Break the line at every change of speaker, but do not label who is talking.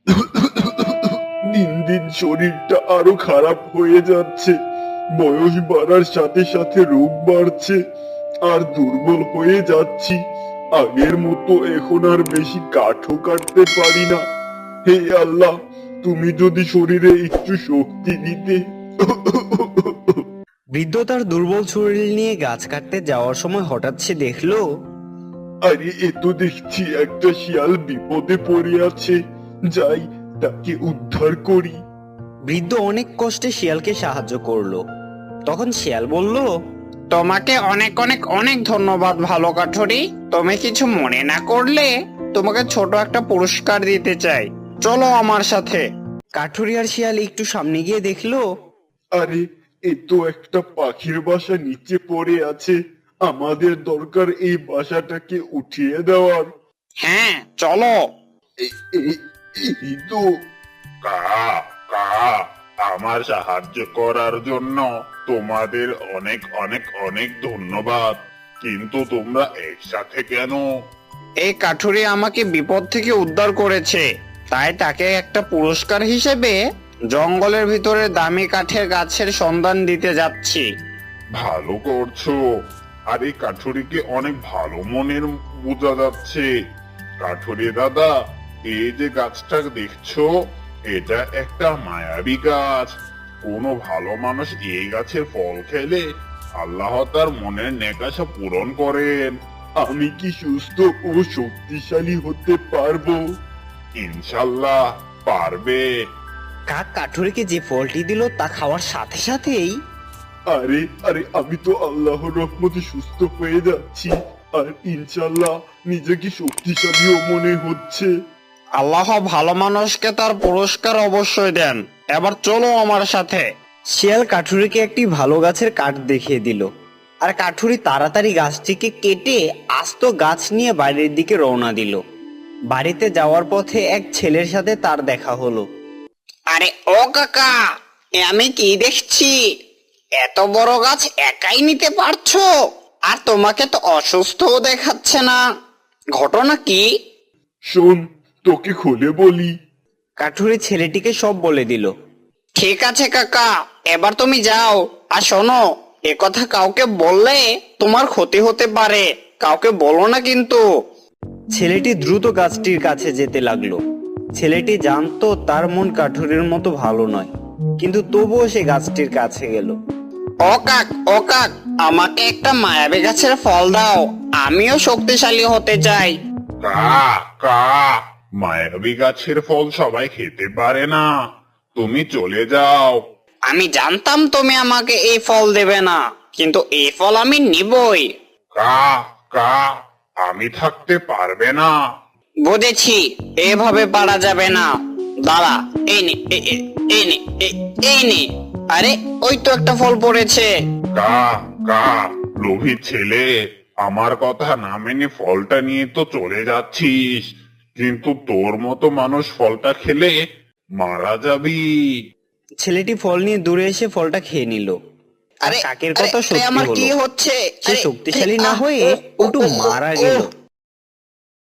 দিন দিন শরীরটা আরো খারাপ হয়ে যাচ্ছে। বয়স বাড়ার সাথে সাথে রোগ বাড়ছে, আর দুর্বল হয়ে যাচ্ছি। আগের মতো এখন আর বেশি কাঠও কাটতে পারি না। হে আল্লাহ, তুমি যদি শরীরে একটু শক্তি দিতে।
বৃদ্ধ তার দুর্বল শরীর নিয়ে গাছ কাটতে যাওয়ার সময় হঠাৎ সে দেখলো
আরে এ তো দেখছি একটা শিয়াল বিপদে পড়ে আছে। যাই, তাকে উদ্ধার করি।
বৃদ্ধ অনেক কষ্টে শিয়ালকে সাহায্য করলো। তখন শিয়াল বলল,
তোমাকে অনেক অনেক অনেক ধন্যবাদ ভালো কাঠুরি। তুমি কিছু মনে না করলে তোমাকে ছোট একটা পুরস্কার দিতে চাই, চলো আমার সাথে।
কাঠুরি আর শিয়াল একটু সামনে গিয়ে দেখলো
আরে এ তো একটা পাখির বাসা নিচে পড়ে আছে। আমাদের দরকার এই বাসাটাকে উঠিয়ে দেওয়ার।
হ্যাঁ চলো।
এ- এ- এই তো।
কা কা আমার সাহায্য করার জন্য তোমাদের অনেক অনেক অনেক ধন্যবাদ। কিন্তু তোমরা একসাথে কেন?
এই কাঠুরি আমাকে বিপদ থেকে উদ্ধার করেছে, তাই তাকে একটা পুরস্কার হিসেবে জঙ্গলের ভিতরে দামি কাঠের গাছের সন্ধান দিতে যাচ্ছি।
ভালো করছো। আর এই কাঠুরিকে অনেক ভালো মনের বোঝা যাচ্ছে। কাঠুরি দাদা, এই যে গাছটা দেখছো, এটা একটা মায়াবী গাছ। কোনো ভালো মানুষ এই গাছের ফল খেলে আল্লাহ তার মনের নেকাশা পূরণ করেন।
আমি কি সুস্থ ও শক্তিশালী হতে পারবো?
ইনশাল্লাহ পারবে।
কাক কাঠুরিকে যে ফলটি দিল তা খাওয়ার সাথে সাথেই
আরে আরে আমি তো আল্লাহর রহমতে সুস্থ হয়ে যাচ্ছি, আর ইনশাল্লাহ নিজেকে শক্তিশালীও মনে হচ্ছে।
আল্লাহ ভালো মানুষকে তার পুরস্কার অবশ্যই দেন। এবার চলো আমার সাথে।
শিয়াল কাঠুরিকে একটি ভালো গাছের কাঠ দেখিয়ে দিল, আর কাঠুরি তাড়াতাড়ি গাছটিকে কেটে আস্ত গাছ নিয়ে বাড়ির দিকে রওনা দিল। বাড়িতে যাওয়ার পথে এক ছেলের সাথে তার দেখা হলো।
আরে ও কাকা, এ আমি কি দেখছি? এত বড় গাছ একাই নিতে পারছো? আর তোমাকে তো অসুস্থও দেখাচ্ছে না, ঘটনা কি?
শোন, তোকে খুলে বলি।
কাঠুরি ছেলেটিকে সব বলে দিল।
ঠিক আছে কাকা, এবার তুমি যাও। আর শোনো, এ কথা কাউকে বললে তোমার ক্ষতি হতে পারে, কাউকে বলো না কিন্তু।
ছেলেটি দ্রুত গাছটির কাছে যেতে লাগলো। ছেলেটি জানতো তার মন কাঠুরির মতো ভালো নয়, কিন্তু তবুও সে গাছটির কাছে গেল।
ও কাক, ও কাক, আমাকে একটা মায়াবী গাছের ফল দাও, আমিও শক্তিশালী হতে চাই।
কা কা মায়াবী গাছের ফল সবাই খেতে পারে না। তুমি চলে যাও।
আমি জানতাম তুমি আমাকে এই ফল দেবে না, কিন্তু এই ফল আমি নিবই।
কা কা আমি থাকতে পারবে না।
বুঝেছি, এভাবে পারা যাবে না। দাঁড়া, এই নে, এই নে, এই নে। আরে ওই তো একটা ফল পড়েছে।
কা কা লোভী ছেলে, আমার কথা না মেনে ফলটা নিয়ে তো চলে যাচ্ছিস, কিন্তু তোর মতো মানুষ ফলটা খেলে মারা যাবি।
ছেলেটি ফল নিয়ে দূরে এসে ফলটা খেয়ে নিল। আর
আরে
কাকের
আরে,
কথা
আরে,
সত্যি
আমার
হলো।
কি হচ্ছে?
সে
আরে,
শক্তিশালী
আরে,
না
আহ,
হয়ে
ও, ও,
উল্টো
ও,
মারা
ও,
গেল।